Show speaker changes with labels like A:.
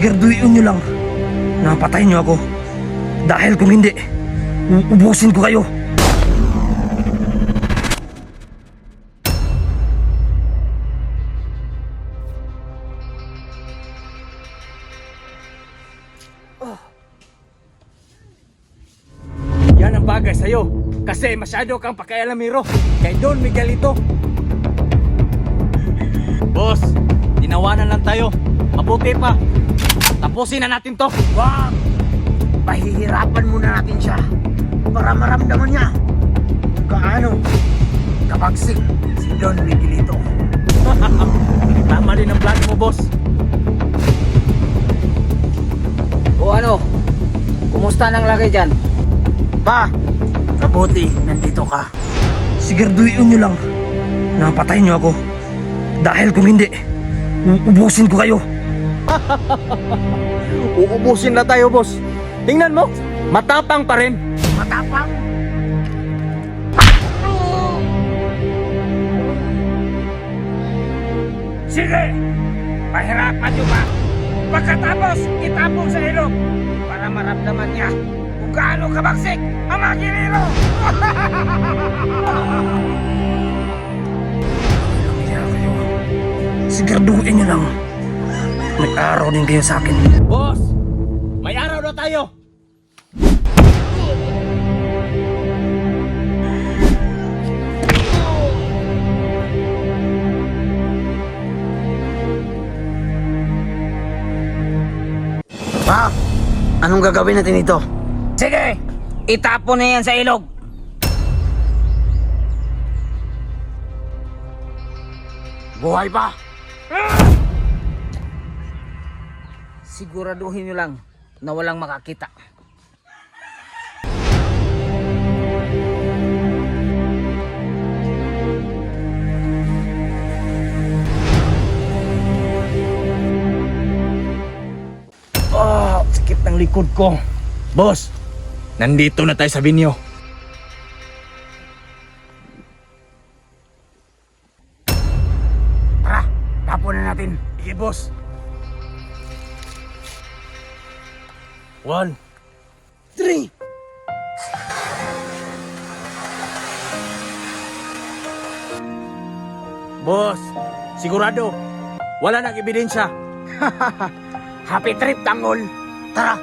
A: Siguraduhin nyo lang na patayin nyo ako. Dahil kung hindi, ubusin ko kayo.
B: Yan ang bagay sa'yo. Kasi masyado kang pakialamero kay Don Miguelito. Boss, tinawanan lang tayo. Mabuti pa. Tapusin na natin to.
A: Wag! Pahihirapan muna natin siya para maramdaman niya kung gaano kabagsik si Don Miguelito.
B: Tama din ang plano mo, boss.
C: O ano? Kumusta nang lagay dyan?
A: Pa, mabuti nandito ka. Siguraduhin nyo lang na patayin nyo ako. Dahil kung hindi, ubusin ko kayo.
B: Uubusin na tayo, boss. Tingnan mo, matapang pa rin.
A: Matapang?
B: Sige, pahirapan nyo ba? Pagkatapos, itapong sa ilog para maramdaman niya kung gaano kabagsik ang mga kiliro.
A: Siguraduhin nyo lang may araw din kayo sa akin.
B: Boss, may araw na tayo.
A: Pa, anong gagawin natin ito?
C: Sige! Itapon na yan sa ilog!
A: Buhay pa?
C: Siguraduhin nyo lang na walang makakita.
B: Oh, sakit ng likod ko. Boss, nandito na tayo sa binyo.
A: Tara, tapon na natin.
B: Sige, boss. 1, 3. Boss, sigurado, wala nang ebidensya.
A: Happy trip, Tangol. Tara.